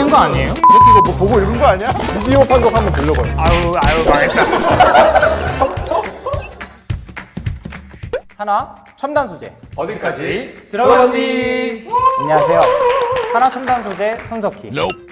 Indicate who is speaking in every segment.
Speaker 1: 유출된 거 아니에요?
Speaker 2: 이거 뭐 보고 읽은 거 아니야? 비디오 판독 한번 돌려봐요.
Speaker 1: 아유 망했다.
Speaker 3: 하나 첨단 소재.
Speaker 1: 어디까지 들어가니?
Speaker 3: 안녕하세요. 하나 첨단 소재 손석희.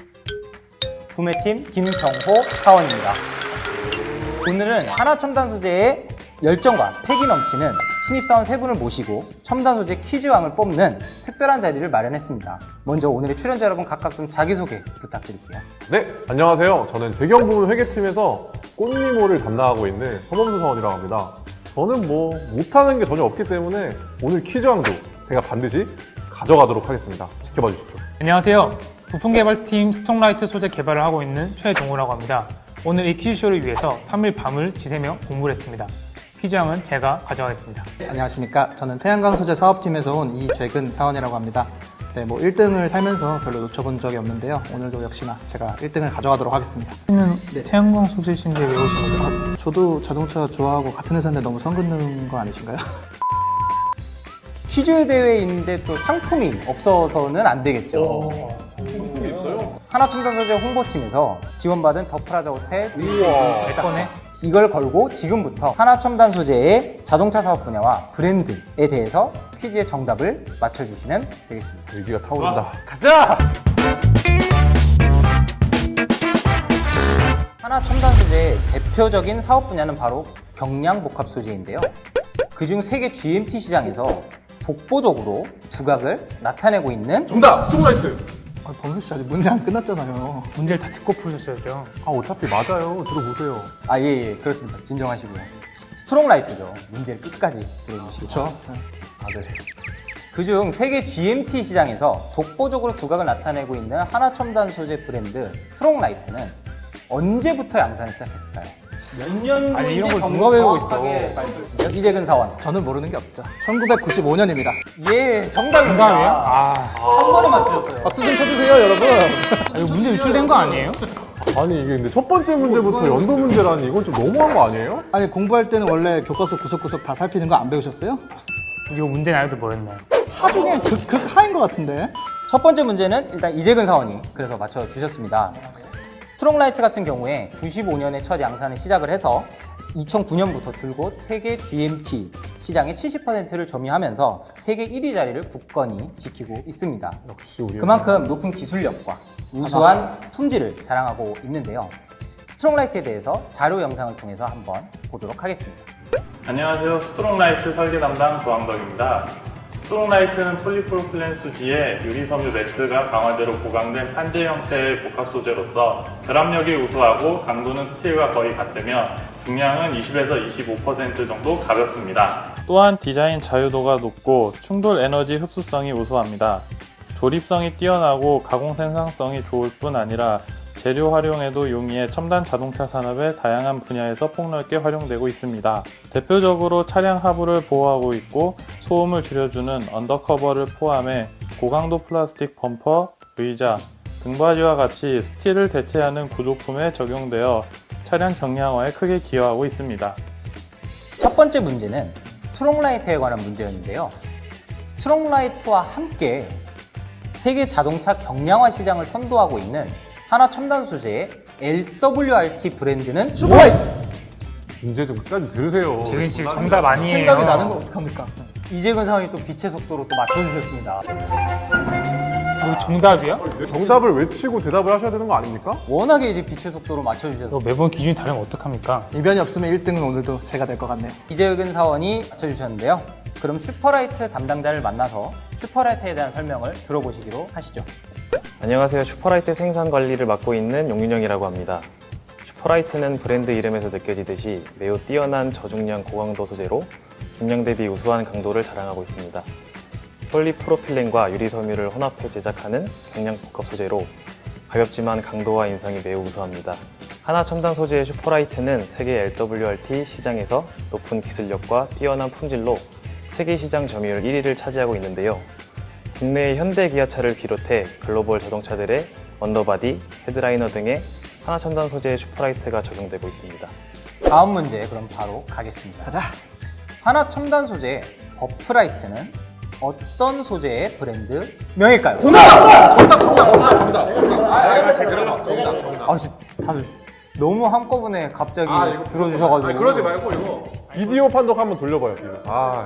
Speaker 3: 구매팀 김정호 사원입니다. 오늘은 하나 첨단 소재의 열정과 패기 넘치는 신입사원 3분을 모시고 첨단 소재 퀴즈왕을 뽑는 특별한 자리를 마련했습니다. 먼저 오늘의 출연자 여러분 각각 좀 자기소개 부탁드릴게요.
Speaker 2: 네, 안녕하세요. 저는 재경부문 회계팀에서 꽃미모를 담당하고 있는 서범수 사원이라고 합니다. 저는 뭐 못하는 게 전혀 없기 때문에 오늘 퀴즈왕도 제가 반드시 가져가도록 하겠습니다. 지켜봐 주십시오.
Speaker 1: 안녕하세요. 부품개발팀 스톡라이트 소재 개발을 하고 있는 최동우라고 합니다. 오늘 이 퀴즈쇼를 위해서 3일 밤을 지새며 공부를 했습니다. 퀴즈왕은 제가 가져가겠습니다.
Speaker 4: 안녕하십니까. 저는 태양광 소재 사업팀에서 온 이재근 사원이라고 합니다. 네, 뭐 1등을 살면서 별로 놓쳐본 적이 없는데요. 오늘도 역시나 제가 1등을 가져가도록 하겠습니다.
Speaker 1: 는 태양광 소재신데 왜 오신 거죠?
Speaker 4: 저도 자동차 좋아하고 같은 회사인데 너무 선 긋는 거 아니신가요?
Speaker 3: 퀴즈 대회인데 또 상품이 없어서는 안 되겠죠.
Speaker 2: 상품이 있어요?
Speaker 3: 하나 첨단 소재 홍보팀에서 지원받은 더 프라자 호텔
Speaker 2: 우와.
Speaker 1: 내 거네.
Speaker 3: 이걸 걸고 지금부터 하나 첨단 소재의 자동차 사업 분야와 브랜드에 대해서 퀴즈의 정답을 맞춰주시면 되겠습니다.
Speaker 2: 의지가 타오른다.
Speaker 1: 가자!
Speaker 3: 하나 첨단 소재의 대표적인 사업 분야는 바로 경량 복합 소재인데요. 그중 세계 GMT 시장에서 독보적으로 두각을 나타내고 있는
Speaker 2: 정답! 스톡라이트!
Speaker 4: 범수 씨 아직 문제 안 끝났잖아요.
Speaker 1: 문제를 다 듣고 풀으셨어야 돼요.
Speaker 2: 아, 어차피 맞아요. 들어보세요.
Speaker 3: 예, 그렇습니다. 진정하시고요. 스트롱라이트죠. 문제를 끝까지 들어주시기
Speaker 4: 그렇죠.
Speaker 3: 바랍니다. 그중 세계 GMT 시장에서 독보적으로 두각을 나타내고 있는 하나 첨단 소재 브랜드 스트롱라이트는 언제부터 양산을 시작했을까요? 몇 년도인지
Speaker 1: 아니, 이런 걸 누가 외우고 있어.
Speaker 3: 정확하게 말씀해주세요. 이재근 사원.
Speaker 4: 저는 모르는 게 없죠. 1995년입니다.
Speaker 3: 예, 정답입니다.
Speaker 1: 정답이에요? 아,
Speaker 3: 한 번에 맞추셨어요.
Speaker 4: 박수 좀 쳐주세요, 여러분.
Speaker 1: 이거 문제 유출된 거 아니에요?
Speaker 2: 아니, 이게 근데 첫 번째 문제부터 연도 문제라니 이건 좀 너무한 거 아니에요?
Speaker 4: 아니, 공부할 때는 원래 교과서 구석구석 다 살피는 거 안 배우셨어요?
Speaker 1: 이거 문제 나요도 뭐였나요?
Speaker 4: 하중에 극하인 것 같은데.
Speaker 3: 첫 번째 문제는 일단 이재근 사원이 그래서 맞춰주셨습니다. 스트롱라이트 같은 경우에 95년에 첫 양산을 시작을 해서 2009년부터 줄곧 세계 GMT 시장의 70%를 점유하면서 세계 1위 자리를 굳건히 지키고 있습니다.
Speaker 2: 역시 우리
Speaker 3: 그만큼 높은 기술력과 우수한 품질을 자랑하고 있는데요. 스트롱라이트에 대해서 자료 영상을 통해서 한번 보도록 하겠습니다.
Speaker 5: 안녕하세요. 스트롱라이트 설계 담당 조항덕입니다. 스트롱라이트는 폴리프로필렌 수지에 유리섬유 매트가 강화제로 보강된 판재 형태의 복합 소재로서 결합력이 우수하고 강도는 스틸과 거의 같으며 중량은 20에서 25% 정도 가볍습니다. 또한 디자인 자유도가 높고 충돌 에너지 흡수성이 우수합니다. 조립성이 뛰어나고 가공 생산성이 좋을 뿐 아니라 재료 활용에도 용이해 첨단 자동차 산업의 다양한 분야에서 폭넓게 활용되고 있습니다. 대표적으로 차량 하부를 보호하고 있고 소음을 줄여주는 언더커버를 포함해 고강도 플라스틱 범퍼, 의자, 등받이와 같이 스틸을 대체하는 구조품에 적용되어 차량 경량화에 크게 기여하고 있습니다.
Speaker 3: 첫 번째 문제는 스트롱라이트에 관한 문제였는데요. 스트롱라이트와 함께 세계 자동차 경량화 시장을 선도하고 있는 하나 첨단 소재의 LWRT 브랜드는 슈퍼라이트!
Speaker 2: 문제 좀 끝까지 들으세요.
Speaker 1: 재근 씨 정답 아니에요.
Speaker 4: 생각이 나는 거 어떡합니까?
Speaker 3: 이재근 사원이 또 빛의 속도로 또 맞춰주셨습니다.
Speaker 1: 이거 정답이야?
Speaker 2: 정답을 외치고 대답을 하셔야 되는 거 아닙니까?
Speaker 3: 워낙에 이제 빛의 속도로 맞춰주셔서
Speaker 1: 이거 매번 기준이 다르면 어떡합니까?
Speaker 4: 이변이 없으면 1등은 오늘도 제가 될 것 같네요.
Speaker 3: 이재근 사원이 맞춰주셨는데요. 그럼 슈퍼라이트 담당자를 만나서 슈퍼라이트에 대한 설명을 들어보시기로 하시죠.
Speaker 6: 안녕하세요. 슈퍼라이트 생산 관리를 맡고 있는 용윤영이라고 합니다. 슈퍼라이트는 브랜드 이름에서 느껴지듯이 매우 뛰어난 저중량 고강도 소재로 중량 대비 우수한 강도를 자랑하고 있습니다. 폴리프로필렌과 유리섬유를 혼합해 제작하는 경량 복합 소재로 가볍지만 강도와 인성이 매우 우수합니다. 하나 첨단 소재의 슈퍼라이트는 세계 LWRT 시장에서 높은 기술력과 뛰어난 품질로 세계 시장 점유율 1위를 차지하고 있는데요. 국내의 현대 기아차를 비롯해 글로벌 자동차들의 언더바디, 헤드라이너 등의 하나 첨단 소재의 슈퍼라이트가 적용되고 있습니다.
Speaker 3: 다음 문제 그럼 바로 가겠습니다.
Speaker 4: 가자.
Speaker 3: 하나 첨단 소재 버프라이트는 어떤 소재의 브랜드 명일까요?
Speaker 2: 정답!
Speaker 3: 아, 다들 너무 한꺼번에 갑자기 들어주셔가지고.
Speaker 2: 말고 이거 비디오 판독 한번 돌려봐요. 이거.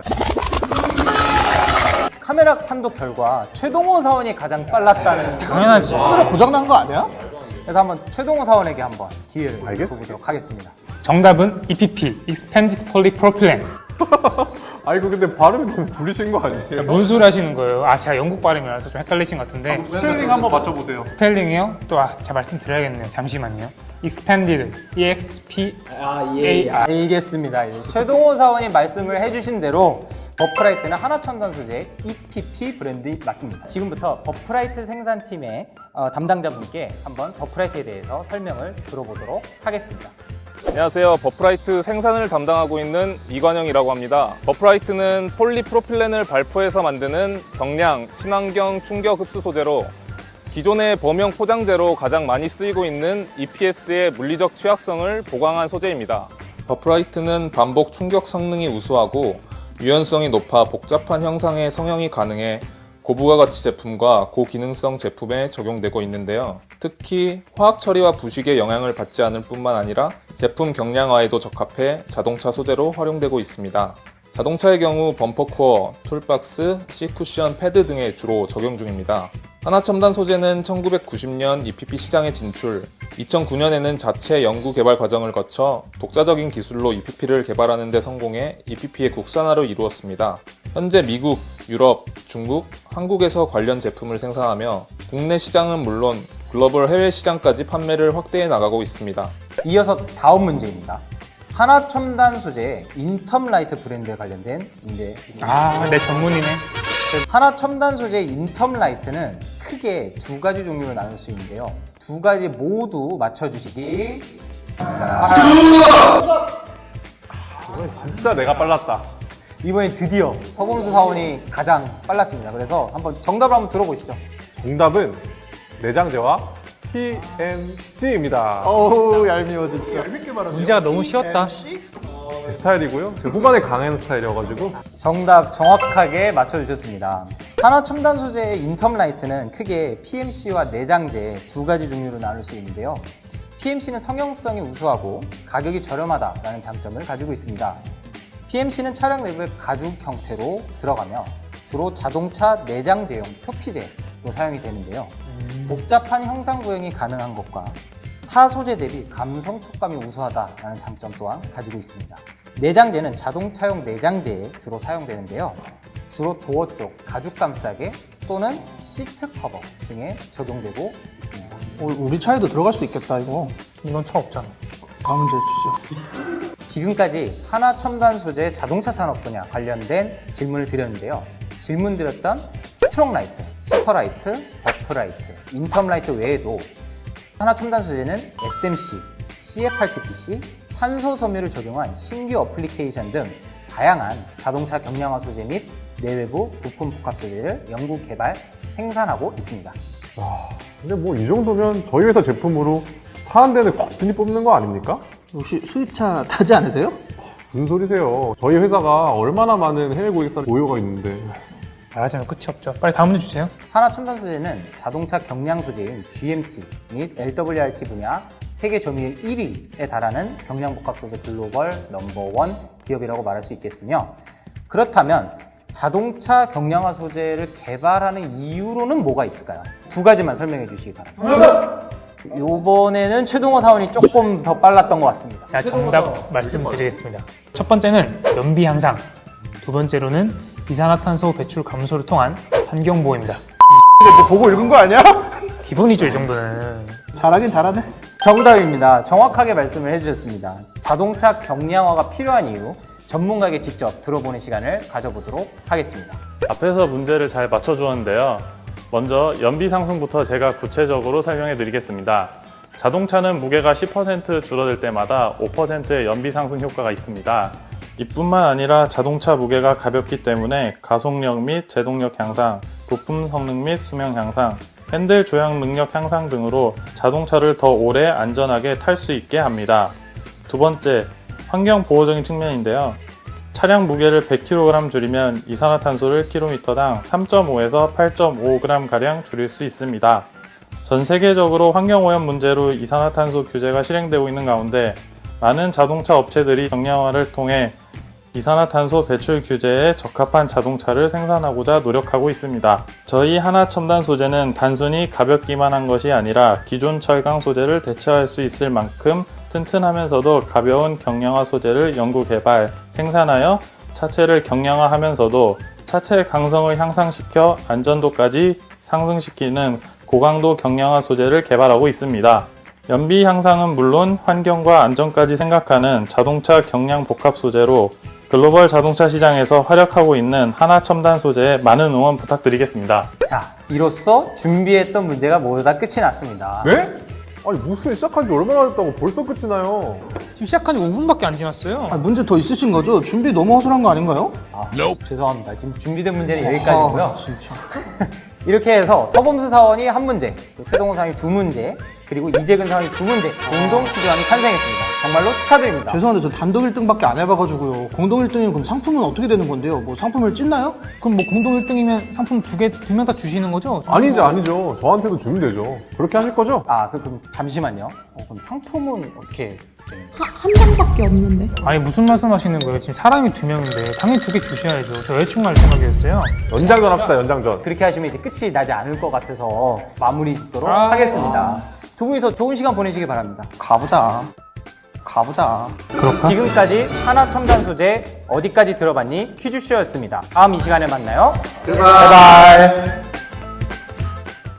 Speaker 3: 카메라 판독 결과 최동호 사원이 가장 빨랐다는.
Speaker 1: 당연하지.
Speaker 4: 카메라 고장난 거 아니야?
Speaker 3: 그래서 한번 최동호 사원에게 한번 기회를 줘보도록 하겠습니다.
Speaker 1: 정답은 EPP, Expanded Polypropylene.
Speaker 2: 이거 근데 발음이 너무 불리신 거 아니에요?
Speaker 1: 뭔 소리 하시는 거예요? 제가 영국 발음이라서 좀 헷갈리신 것 같은데.
Speaker 2: 스펠링 한번 맞춰보세요.
Speaker 1: 스펠링이요? 제가 말씀드려야겠네요. 잠시만요. Expanded, EXPAR.
Speaker 3: 알겠습니다. 이제 최동호 사원이 말씀을 해주신 대로 버프라이트는 하나첨단 소재 EPP 브랜드 맞습니다. 지금부터 버프라이트 생산팀의 담당자분께 한번 버프라이트에 대해서 설명을 들어보도록 하겠습니다.
Speaker 7: 안녕하세요. 버프라이트 생산을 담당하고 있는 이관영이라고 합니다. 버프라이트는 폴리프로필렌을 발포해서 만드는 경량, 친환경 충격 흡수 소재로 기존의 범용 포장재로 가장 많이 쓰이고 있는 EPS의 물리적 취약성을 보강한 소재입니다. 버프라이트는 반복 충격 성능이 우수하고 유연성이 높아 복잡한 형상의 성형이 가능해 고부가가치 제품과 고기능성 제품에 적용되고 있는데요. 특히 화학 처리와 부식의 영향을 받지 않을 뿐만 아니라 제품 경량화에도 적합해 자동차 소재로 활용되고 있습니다. 자동차의 경우 범퍼 코어, 툴박스, C쿠션, 패드 등에 주로 적용 중입니다. 하나첨단 소재는 1990년 EPP 시장에 진출, 2009년에는 자체 연구 개발 과정을 거쳐 독자적인 기술로 EPP를 개발하는 데 성공해 EPP의 국산화를 이루었습니다. 현재 미국, 유럽, 중국, 한국에서 관련 제품을 생산하며 국내 시장은 물론 글로벌 해외 시장까지 판매를 확대해 나가고 있습니다.
Speaker 3: 이어서 다음 문제입니다. 하나첨단 소재 인텀라이트 브랜드에 관련된 문제입니다.
Speaker 1: 내 전문이네.
Speaker 3: 하나첨단 소재 인텀라이트는 크게 두 가지 종류로 나눌 수 있는데요. 두 가지 모두 맞춰주시기 바랍니다.
Speaker 2: 이건 진짜 내가 빨랐다.
Speaker 3: 이번엔 드디어 서범수 사원이 가장 빨랐습니다. 그래서 한번 정답을 한번 들어보시죠.
Speaker 2: 정답은 내장재와 PMC입니다.
Speaker 4: 어우 얄미워 진짜.
Speaker 1: 문제가 너무 쉬웠다.
Speaker 2: 제 스타일이고요. 제 후반에 강한 스타일이어가지고
Speaker 3: 정답 정확하게 맞춰주셨습니다. 하나첨단 소재의 인텀라이트는 크게 PMC와 내장재 두 가지 종류로 나눌 수 있는데요. PMC는 성형성이 우수하고 가격이 저렴하다라는 장점을 가지고 있습니다. PMC는 차량 내부에 가죽 형태로 들어가며 주로 자동차 내장재용 표피재로 사용이 되는데요. 복잡한 형상 구형이 가능한 것과 타 소재 대비 감성 촉감이 우수하다라는 장점 또한 가지고 있습니다. 내장재는 자동차용 내장재에 주로 사용되는데요. 주로 도어 쪽 가죽 감싸개 또는 시트 커버 등에 적용되고 있습니다.
Speaker 4: 우리 차에도 들어갈 수 있겠다 이거.
Speaker 1: 이건 차 없잖아.
Speaker 4: 다음 문제 주시죠.
Speaker 3: 지금까지 하나첨단 소재 자동차 산업 분야 관련된 질문을 드렸는데요. 질문 드렸던 스트롱라이트, 슈퍼라이트, 버프라이트, 인텀라이트 외에도 하나첨단 소재는 SMC, CFRTPC, 탄소 섬유를 적용한 신규 어플리케이션 등 다양한 자동차 경량화 소재 및 내외부 부품 복합 소재를 연구 개발, 생산하고 있습니다.
Speaker 2: 근데 뭐 이 정도면 저희 회사 제품으로 차 한 대는 거뜬히 뽑는 거 아닙니까?
Speaker 4: 혹시 수입차 타지 않으세요?
Speaker 2: 무슨 소리세요? 저희 회사가 얼마나 많은 해외 고객사 보유가 있는데.
Speaker 1: 말하자면 끝이 없죠. 빨리 다음 문제 주세요.
Speaker 3: 하나첨단 소재는 자동차 경량 소재인 GMT 및 LWRT 분야 세계 점유율 1위에 달하는 경량 복합 소재 글로벌 넘버1 기업이라고 말할 수 있겠으며, 그렇다면 자동차 경량화 소재를 개발하는 이유로는 뭐가 있을까요? 두 가지만 설명해 주시기 바랍니다. 이번에는 최동호 사원이 조금 더 빨랐던 것 같습니다.
Speaker 1: 자, 정답 말씀드리겠습니다. 첫 번째는 연비 향상, 두 번째로는 이산화탄소 배출 감소를 통한 환경 보호입니다.
Speaker 4: 너 보고 읽은 거 아니야?
Speaker 1: 기본이죠, 이 정도는.
Speaker 4: 잘하긴 잘하네.
Speaker 3: 정답입니다. 정확하게 말씀을 해주셨습니다. 자동차 경량화가 필요한 이유, 전문가에게 직접 들어보는 시간을 가져보도록 하겠습니다.
Speaker 5: 앞에서 문제를 잘 맞춰주었는데요. 먼저 연비 상승부터 제가 구체적으로 설명해 드리겠습니다. 자동차는 무게가 10% 줄어들 때마다 5%의 연비 상승 효과가 있습니다. 이뿐만 아니라 자동차 무게가 가볍기 때문에 가속력 및 제동력 향상, 부품 성능 및 수명 향상, 핸들 조향 능력 향상 등으로 자동차를 더 오래 안전하게 탈 수 있게 합니다. 두 번째, 환경 보호적인 측면인데요. 차량 무게를 100kg 줄이면 이산화탄소를 km당 3.5에서 8.5g가량 줄일 수 있습니다. 전 세계적으로 환경오염 문제로 이산화탄소 규제가 실행되고 있는 가운데 많은 자동차 업체들이 경량화를 통해 이산화탄소 배출 규제에 적합한 자동차를 생산하고자 노력하고 있습니다. 저희 하나첨단 소재는 단순히 가볍기만 한 것이 아니라 기존 철강 소재를 대체할 수 있을 만큼 튼튼하면서도 가벼운 경량화 소재를 연구 개발, 생산하여 차체를 경량화하면서도 차체의 강성을 향상시켜 안전도까지 상승시키는 고강도 경량화 소재를 개발하고 있습니다. 연비 향상은 물론 환경과 안전까지 생각하는 자동차 경량 복합 소재로 글로벌 자동차 시장에서 활약하고 있는 하나첨단 소재에 많은 응원 부탁드리겠습니다.
Speaker 3: 자, 이로써 준비했던 문제가 모두 다 끝이 났습니다.
Speaker 2: 네? 아니 무슨 시작한 지 얼마나 됐다고 벌써 끝이 나요?
Speaker 1: 지금 시작한 지 5분밖에 안 지났어요.
Speaker 4: 아, 문제 더 있으신 거죠? 준비 너무 허술한 거 아닌가요?
Speaker 3: 아, 죄송합니다. 지금 준비된 문제는 여기까지고요.
Speaker 4: 아, 진짜.
Speaker 3: 이렇게 해서 서범수 사원이 한 문제, 또 최동호 사원이 두 문제, 그리고 이재근 사원이 두 문제 공동 퀴즈왕이 탄생했습니다. 정말로 축하드립니다.
Speaker 4: 죄송한데 저 단독 1등밖에 안 해봐가지고요. 공동 1등이면 그럼 상품은 어떻게 되는 건데요? 뭐 상품을 찢나요?
Speaker 1: 그럼 뭐 공동 1등이면 상품 두 명 다 주시는 거죠?
Speaker 2: 아니죠. 저한테도 주면 되죠. 그렇게 하실 거죠?
Speaker 3: 아, 그럼 잠시만요. 그럼 상품은 어떻게 되는 거예요?
Speaker 8: 한 장밖에 없는데.
Speaker 1: 아니 무슨 말씀 하시는 거예요? 지금 사람이 2명인데 당연히 2개 주셔야죠. 저 여자친구 할 생각이었어요.
Speaker 2: 연장전 합시다, 연장전.
Speaker 3: 그렇게 하시면 이제 끝이 나지 않을 것 같아서 마무리 짓도록
Speaker 1: 아.
Speaker 3: 하겠습니다. 두 분이서 좋은 시간 보내시길 바랍니다.
Speaker 4: 가보자.
Speaker 3: 지금까지 하나첨단 소재 어디까지 들어봤니? 퀴즈쇼였습니다. 다음 이 시간에 만나요.
Speaker 4: 바이바이.